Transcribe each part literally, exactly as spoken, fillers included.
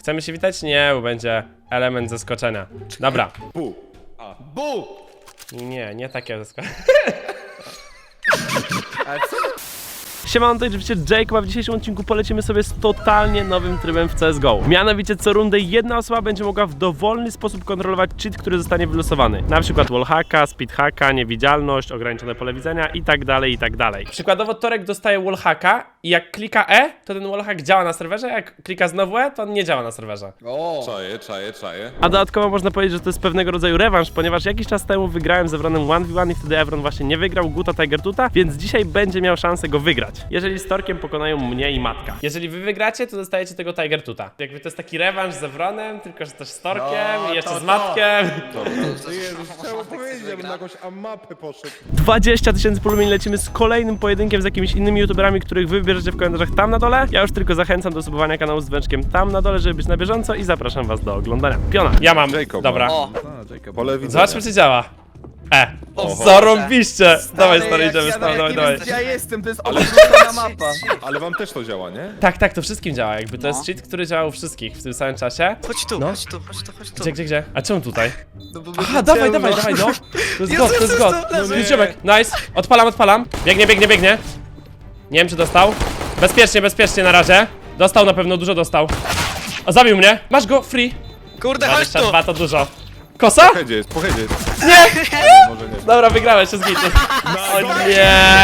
Chcemy się witać? Nie, bo będzie element zaskoczenia. Dobra. Bu. A. Bu! Nie, nie takie zaskoczenie. Ale co? Siemano, to oczywiście Jacob, a w dzisiejszym odcinku polecimy sobie z totalnie nowym trybem w C S G O. Mianowicie co rundę jedna osoba będzie mogła w dowolny sposób kontrolować cheat, który zostanie wylosowany. Na przykład wallhacka, speedhacka, niewidzialność, ograniczone pole widzenia i tak dalej, i tak dalej. Przykładowo Torek dostaje wallhacka i jak klika E, to ten wallhack działa na serwerze, a jak klika znowu E, to on nie działa na serwerze. O! Czaję, czaję, czaję. A dodatkowo można powiedzieć, że to jest pewnego rodzaju rewanż, ponieważ jakiś czas temu wygrałem z Evronem jeden v jeden i wtedy Evron właśnie nie wygrał Guta Tiger Tuta, więc dzisiaj będzie miał szansę go wygrać. Jeżeli z Torkiem pokonają mnie i Matka. Jeżeli wy wygracie, to dostajecie tego Tiger Tuta. Jakby to jest taki rewanż z Evronem, tylko że też z Torkiem No, i jeszcze to z to. Matkiem. Ty Jezus, chciałem powiedzieć, żebym na jakąś mapę poszedł. dwadzieścia tysięcy polubień, lecimy z kolejnym pojedynkiem z jakimiś innymi youtuberami, których wy wybierzecie w komentarzach tam na dole. Ja już tylko zachęcam do subowania kanału z dzwoneczkiem tam na dole, żeby być na bieżąco i zapraszam was do oglądania. Piona. Ja mam. Jacob, Dobra. no. O, A, Jacob. Pole widzenia. Zobaczmy, czy działa. E. Oho. Zarąbiście. Dawaj, stary, jak idziemy, ja, stary, no, dawaj, jak nie dawaj. wiem, gdzie ja jestem, to jest odwrócona mapa. Ale wam też to działa, nie? Tak, tak, to wszystkim działa, jakby to No. jest cheat, który działa u wszystkich w tym samym czasie. chodź tu, No. chodź tu, chodź tu, chodź tu. Gdzie, gdzie, gdzie? A czemu tutaj? No, bo Aha, dawaj, dawaj, dawaj, no. To jest Jezu, god, to jest Jezus, god. to leży. No, ziomek, nice. Odpalam, odpalam. Biegnie, biegnie, biegnie. Nie wiem, czy dostał. Bezpiecznie, bezpiecznie na razie. Dostał na pewno, dużo dostał. O, zabił mnie. Masz go, free. Kurde, chodź dwadzieścia tu. dwa to dużo. Kosa? Po headzie jest, po headzie jest. Nie! Może nie. Dobra, wygrałeś się z gity. O nie!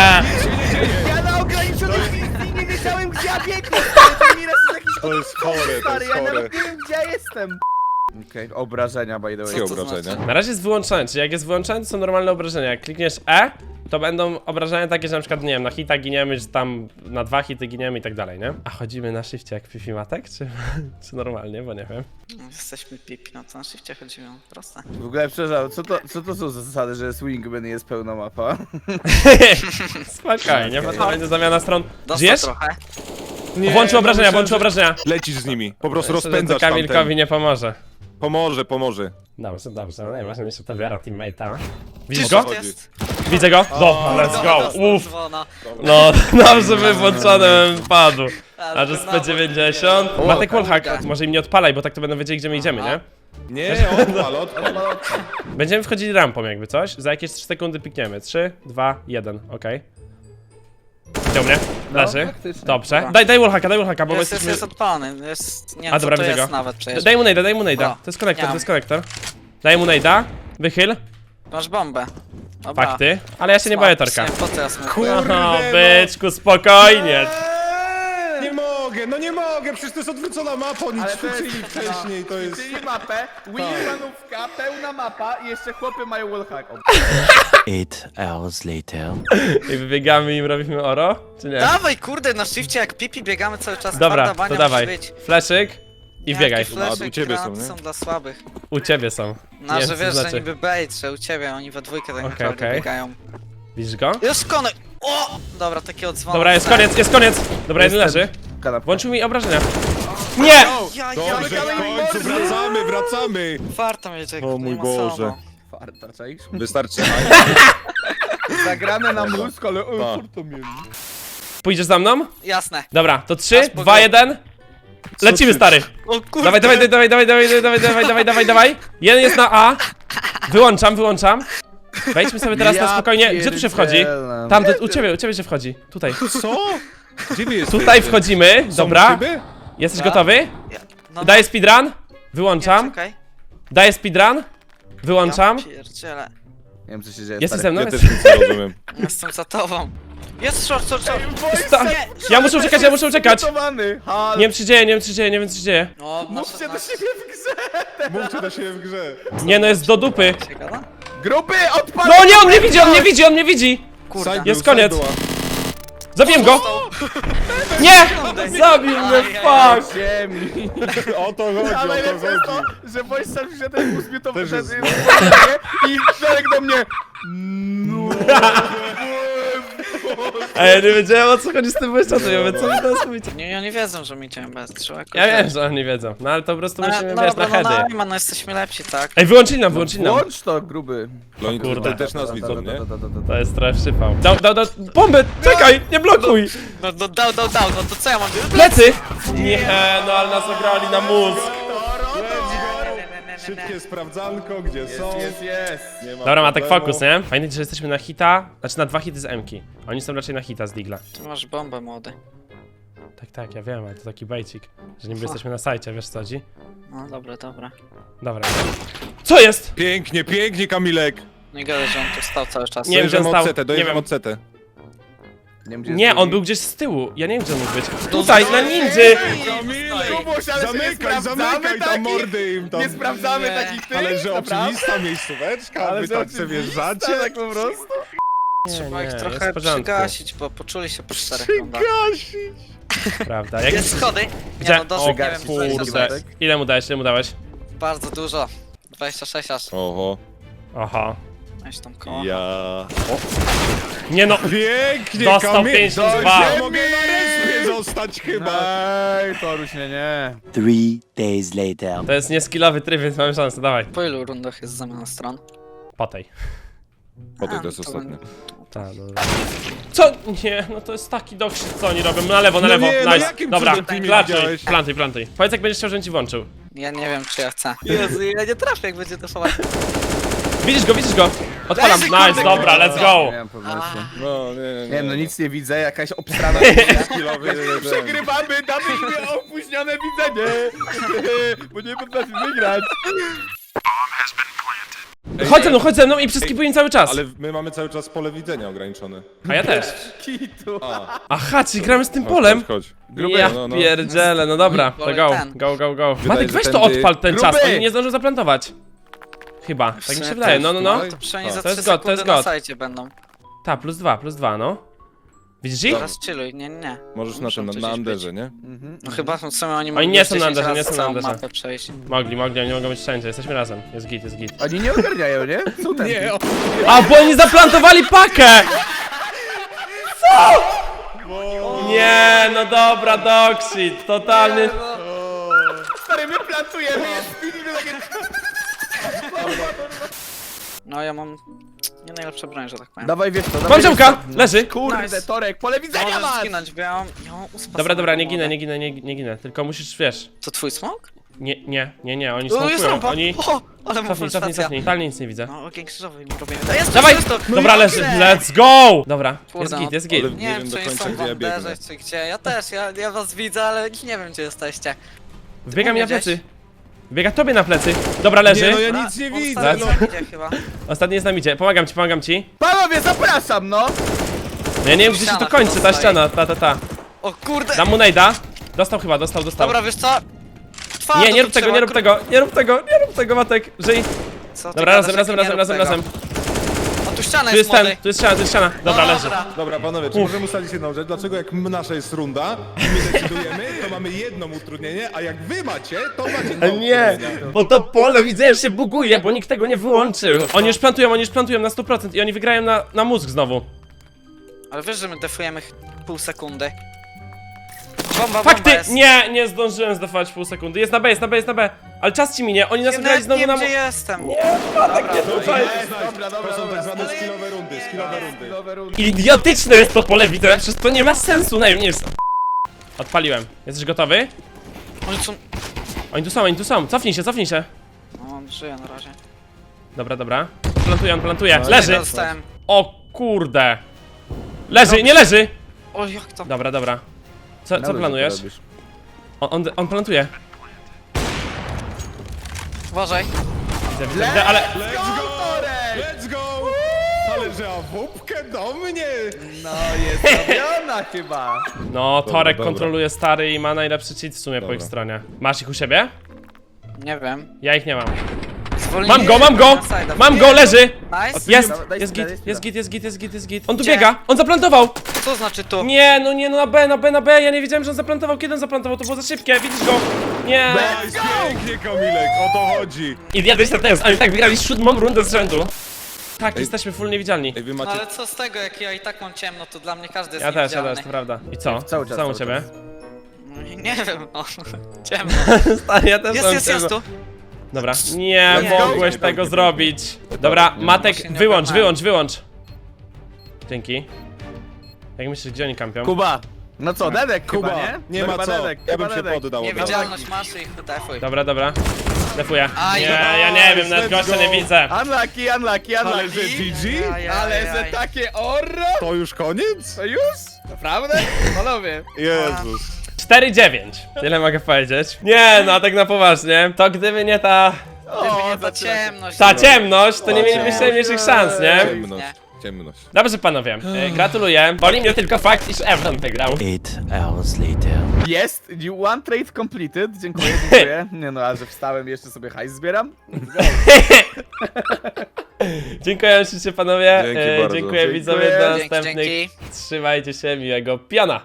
Ja na ograniczonej wizji nie wiedziałem, gdzie ja biegnę. To mi raz jest jakiś To jest chore, to stary, jest ja chore. nawet nie wiem, gdzie ja jestem. Okej, okay, obrażenia by the way. Jakie to obrażenia? znaczy? Na razie jest wyłączone, czyli jak jest wyłączone, to są normalne obrażenia. Jak klikniesz E, to będą obrażenia takie, że na przykład, nie wiem, na hita giniemy, że tam na dwa hity giniemy i tak dalej, nie? A chodzimy na shifcie jak Fifi Matek, czy, czy normalnie, bo nie wiem. Jesteśmy pipi, no to na szybcie chodzimy, proste. W ogóle przepraszam, co to, co to są za zasady, że Swingman jest pełna mapa? Spokojnie, bo to będzie zamiana stron. Dostał Żyjesz? trochę. Nie, Włączył no obrażenia, myślałem, włączył że obrażenia. Lecisz z nimi, po prostu Myślę, że to rozpędzasz Kamilkowi tamten. nie pomoże. Pomoże, pomoże. Dobrze, dobrze, no najważniejsze to wiara teammate'a. Widzisz Czyż go? to jest? Widzę go? Dobra, let's go, Dostał uff. dzwona. No, dobrze by włączony bym padł. Ale A że z znowu P dziewięćdziesiąt? nie. Matek O, wallhack, kurde. może im nie odpalaj, bo tak to będą wiedzieli, gdzie my idziemy, nie? Nie, odpal, odpal. Będziemy wchodzili rampą jakby coś, za jakieś trzy sekundy pikniemy. trzy, dwa, jeden, okej. Widział mnie? Leży. faktycznie. Dobrze. Dobra. Daj, daj wallhacka, daj wallhacka, bo my Jest, jest, jesteśmy... jest odpalony, jest, nie A, wiem, dobra, co to widzę jest go. nawet przecież. Daj mu najda, daj mu najda. Dobra. To jest konektor, Nie to mam. jest konektor. Daj mu najda. Wychyl. Masz bombę. Dobra. Fakty. Ale ja się nie Smak, boję Torka. nie, Po teraz mówię. Kurde, Aha, no. byczku, spokojnie. Eee, Nie mogę, no nie mogę, przecież to jest odwrócona mapa, oni Ale to jest- ćwiczyli wcześniej, to jest... Czyli mapę, Wingmanówka, pełna mapa i jeszcze chłopy mają wallhack. Eight hours later. I wybiegamy i im robimy oro? Czy nie? Dawaj, kurde, na szybcie jak pipi biegamy cały czas. Dobra, Twarda bania to musi dawaj. być. Fleszyk i Jakie biegaj. flesze, A, u ciebie są, granaty nie? są dla słabych. U ciebie są. No, Nie że wiem, co wiesz, znaczy. że niby bait, że u ciebie, oni we dwójkę tak Okej, naprawdę okej. biegają. Widzisz go? Jest konek! O! Dobra, takie odzwony. Dobra, jest koniec, jest koniec. Dobra, jeden Jestem. leży. Kanapka. Włączył mi obrażenia. Nie! Ja, ja, Dobrze, ja, w końcu wracamy, wracamy! Warto mieć jak O nie mój ma Boże. samo. Farta, czaisz? Wystarczy. Zagramy na mózg, ale o, Tak. co to mieli? Pójdziesz za mną? Jasne. Dobra, to trzy, Aż po dwa, go- jeden. Lecimy, stary. O kurde! Dawaj, dawaj, dawaj, dawaj, dawaj, dawaj, dawaj, dawaj, dawaj, dawaj. Jeden jest na A. Wyłączam, wyłączam. Wejdźmy sobie teraz na Ja spokojnie. Gdzie tu się wchodzi? pierdzielę. Tam, tu- u ciebie, u ciebie się wchodzi. Tutaj. Co? Gdzie wy jesteście? Tutaj wchodzimy. Są Dobra. szyby? Jesteś Tak. gotowy? Ja, no, Daję speedrun. Wyłączam. Czekaj. Daję speedrun. Wyłączam. Ja pierdzielę. Nie wiem, co się dzieje. Jesteś stary. ze mną? Ja też nic nie rozumiem. Jestem za tobą. Jest short, short, short. Sta- Ja muszę uciekać, ja muszę uciekać. Przygotowany. Halo. Nie wiem, co się dzieje, nie wiem, co się dzieje, nie wiem, co się dzieje. No, Mówcie do siebie w grze. Mówcie do siebie w grze. Nie, no jest do dupy. Się gada? Grupy, odpal! No nie, on mnie widzi, on mnie widzi, on mnie widzi. Kurde. Side Jest był, koniec. side była. Zabiłem go. Nie! Zabił mnie, fuck. Ziemi. O to chodzi, Ale o to najlepsze jest to, chodzi. że Wojciech sam się ten uzmiotowy Też jest. i Czarek do mnie. No. Ej, ja nie wiedziałem o co chodzi z tym błyszczatem, ja mówię, co wy teraz mówicie? Nie, oni wiedzą, że mi cię bez. Trzeba jakoś... Ja wiem, że oni wiedzą, no ale to po prostu No, musimy, no, wiesz, na no, no, heady. no, no, jesteśmy lepsi, tak? Ej, wyłączyli nam, wyłączyli nam. Włącz to, gruby. No i kurde. tutaj też nas widzą, nie? To jest trochę przypał. Dał, dał, dał, bombę, czekaj, nie blokuj! No, no dał, dał, dał, no to co ja mam? Plecy! Nie, no ale nas ograli na mózg. Szybkie sprawdzanko, gdzie są. Jest, jest. Nie ma Dobra, Matek, problemu. fokus, nie? Pamiętajcie, że jesteśmy na hita, znaczy na dwa hity z M-ki. Oni są raczej na hita z Digla. Ty masz bombę, młody. Tak, tak, ja wiem, ale to taki bejcik, że niby jesteśmy na sajcie, wiesz co chodzi? No dobra, dobra. Dobra. Co jest? Pięknie, pięknie, Kamilek. Nie gadaj, że on tu stał cały czas. Nie wiem, gdzie on Dojeżdżam stał, od setę, nie dojeżdżam wiem. od setę. Nie, wiem, gdzie jest Nie, drugi. on był gdzieś z tyłu, ja nie wiem, gdzie on mógł być. Tutaj, na ninży! Kamilek! Kubuś, ale że nie Zamykaj, sprawdzamy zamykaj tam takich- mordy im tam. Nie sprawdzamy Nie. takich tych, Ale że naprawdę? oczywista miejscóweczka, Ale wy że tak oczywista, sobie wrzacie. tak po prostu. Trzeba ich jest trochę w porządku. przygasić, bo poczuli się po czterech rundach. Prawda, jak Jest schody? Gdzie? Nie no, doszło, O nie wiem, Przygasić. kurde. dwadzieścia sześć. Ile mu dałeś, ile mu dałeś? Bardzo dużo. dwadzieścia sześć aż. Oho. Aha. Weź tam koło. Ja. Nie no, Pięknie, dostał Kamil. pięćdziesiąt dwa. Ja mogę na respie zostać chyba. Ej, Toruś, nie, nie. Three days later. To jest nieskillowy tryb, więc mamy szansę, dawaj. Po ilu rundach jest zamiana stron? Po tej. Potem A, to jest to ostatnie. Ta, dobra. Co? Nie, no to jest taki dokrzyk, co oni robią. Na lewo, na No lewo, nie, no nice. jakim Dobra, cudem ty mnie plantuj, widziałeś? plantuj, plantuj. Powiedz jak będziesz chciał, żebym ci włączył. Ja nie wiem, czy ja chcę. Jezu, ja nie trafię, jak będzie defować. Widzisz go, widzisz go? Odpalam, Leży, nice, kurde, dobra, kurde. let's go. Nie wiem, pewności. No, nie, nie. Nie wiem, no nic nie widzę, jakaś obstrana. Skillowy, Przegrywamy, damy im opóźnione widzenie. Bo nie potrafimy grać. Chodź ze mną, chodź ze mną i przeskipuj im cały czas. Ale my mamy cały czas pole widzenia ograniczone. A ja też. Kitu. Aha, czyli gramy z tym Chodź, polem? Chodź, chodź. Ja no, no. pierdzielę, no dobra, to Wolę go, ten. go, go, go. Wydaje, Matek, że weź to tędy- odpal ten czas, Gruby! oni nie zdążą zaplantować. Chyba, tak mi się sumie wydaje, też, no, no, no. tutaj. To przynajmniej A, za to jest trzy god, to jest sekundy na god. sajcie będą. Ta, plus dwa, plus dwa, no. Widzisz ich? Teraz chilluj, nie, nie, nie. Możesz na Muszą tym, na, tu na gdzieś Anderze, być. nie? No chyba w sumie oni Oni mogą nie są na dziesięć Anderze, razy nie są na całą Anderze. mapę przejść. Mogli, mogli, oni mogą być wszędzie, jesteśmy razem. Jest git, jest git. Oni nie ogarniają, nie? Są ten. Nie, o, A, bo oni zaplantowali pakę! Co? Nie, no dobra, dogshit, totalny... Stary, my plantujemy, jest filmy takie... No ja mam nie najlepsze broń, że tak powiem. Dawaj, wiesz co, Mam ziomka, leży. Kurde, Nice. Torek, pole widzenia Możesz masz! zginąć, bo ja mam, ja mam uspasowane Dobra, dobra, nie ginę, młode. nie ginę, nie, nie ginę, tylko musisz, wiesz... To twój smok? Nie, nie, nie, nie, oni O, jest smokują, rampa! oni... O, ale mu Cofnij, full cofnij, stacja. cofnij, totalnie nic nie widzę. No, ogień krzyżowy im robimy. To jest Dawaj! to, to, Dobra, no leży, jak let's go! Dobra, Kurde, jest no. git, jest git. Ale- Nie, Nie wiem, wiem czy do oni końca, są w gdzie ja biegnę. Anderze, czy gdzie. Ja też, ja, ja was widzę, ale nie wiem, gdzie jesteście. Wbiega mi na gdzieś? plecy. Wbiega tobie na plecy. Dobra, leży. Nie, no ja Dobra, nic nie on widzę, stary no. tam idzie chyba. Ostatni jest na midzie. Pomagam ci, pomagam ci. Panowie, zapraszam, no! No ja nie wiem, gdzie się Ściana to kończy, ta chyba stoi. ściana, ta, ta, ta. O kurde! Dam mu nejda. Dostał chyba, dostał, dostał. Dobra, wiesz co? Twardo Nie, nie tu rób tego, trzeba, nie rób kur- tego, nie rób tego, nie rób tego, Matek. Żyj. Co ty Dobra, gadasz, razem, razem, jak nie razem, rób razem, tego? razem. O, tu ściana Tu jest jest ten, młody. tu jest ściana, tu jest ściana. Dobra, No, leży. dobra. Dobra, panowie, czy możemy ustalić jedną rzecz? Dlaczego jak m- nasza jest runda i my decydujemy, to mamy jedno utrudnienie, a jak wy macie, to macie dwa Nie, utrudnienia. bo to pole widzę, że się buguje, bo nikt tego nie wyłączył. Oni już plantują, oni już plantują na sto procent i oni wygrają na, na mózg znowu. Ale wiesz, że my defujemy ch- pół sekundy. Bomba, Fakty! bomba jest. Nie, nie zdążyłem zdawać pół sekundy. Jest na B, jest na B, jest na B. Ale czas ci minie, oni nas Ja wygrali nawet znowu nie na wiem, mózg. gdzie jestem. tak nie Dobra, tutaj. jest, Dobra, dobra, to są dobra. tak zwane Ale- skillowe rundy, skillowe rundy. Nowe rundy. Idiotyczne jest to pole widzę, przecież to nie ma sensu najmniej. Odpaliłem. Jesteś gotowy? Oni są... Oni tu są, oni tu są. Cofnij się, cofnij się. No, on żyje na razie. Dobra, dobra. Plantuje, on plantuje. No, Leży! Dostałem. O kurde. Leży, nie leży! O, jak to? Dobra, dobra. Co, co Dobrze, planujesz? to robisz. On, on, on plantuje. Uważaj. Widzę, widzę, widzę, ale... Let's go! Torek! Let's go! Ale że awupkę do mnie! No, jest robiona chyba. No, Torek dobra. kontroluje stary i ma najlepszy cheat w sumie po Dobra. ich stronie. Masz ich u siebie? Nie wiem. Ja ich nie mam. Zwolnili Mam go, mam go! na side'a. Mam go, leży! Nice. Jest! Dawaj, daj Jest spina, git, daj spina. jest git, jest git, jest git, jest git. On tu Gdzie? biega! On zaplantował! Co znaczy tu? Nie, no nie, no na B, na B, na B. Ja nie wiedziałem, że on zaplantował. Kiedy on zaplantował? To było za szybkie, widzisz go? Nie! Nice, pięknie, Kamilek, o to chodzi. Idiotyczny test, oni tak wygrali siódmą rundę z rzędu. Tak, Ej. jesteśmy full niewidzialni. Ej, wy No macie... ale co z tego, jak ja i tak mam ciemno, to dla mnie każdy jest Ja też, ja niewidzialny. też, to prawda. I co? Cały czas, Co u cały ciebie? czas. No, nie wiem, no. Ciemno. Stary, ja też Jest, mam jest, jest ciemno. tu. Dobra, nie Let's go. mogłeś Nie, tego nie, zrobić. Dobra, nie, Matek, właśnie nie wyłącz, ogarnąłem. wyłącz, wyłącz. Dzięki. Jak myślisz, gdzie oni kampią? Kuba! No co, Dedek Kuba, chyba, nie? nie No ma chyba co. Dedek, Ja chyba bym się Dedek. poddał. od razu. Niewidzialność masz i ich defuj. Dobra, dobra. Defuję. Aj, Nie, no, ja nie wiem, nawet let's gościa go. nie widzę. Unlucky, unlucky, Ale że unlucky. G G? Aj, aj, Ale aj, że aj. takie orro? To już koniec? To już? Naprawdę? Panowie. Jezus. cztery dziewięć. Tyle mogę powiedzieć. Nie, no tak na poważnie. To gdyby nie ta... Gdyby nie ta zaczyna się. ciemność. Ta ciemność, to nie O, mielibyście ciemność. mniejszych szans, nie? Ciemność. Ciemność. Dobrze panowie, e, gratuluję. Boli mnie tylko fakt, iż Evron wygrał. Eight hours later. Jest, you one trade completed. Dziękuję, dziękuję. Nie no, a że wstałem i jeszcze sobie hajs zbieram. Dziękuję ślicznie panowie. Dzięki E, bardzo. dziękuję Dziękuję. widzowie do Dzięki, następnych. dzięki. Trzymajcie się, miłego piona.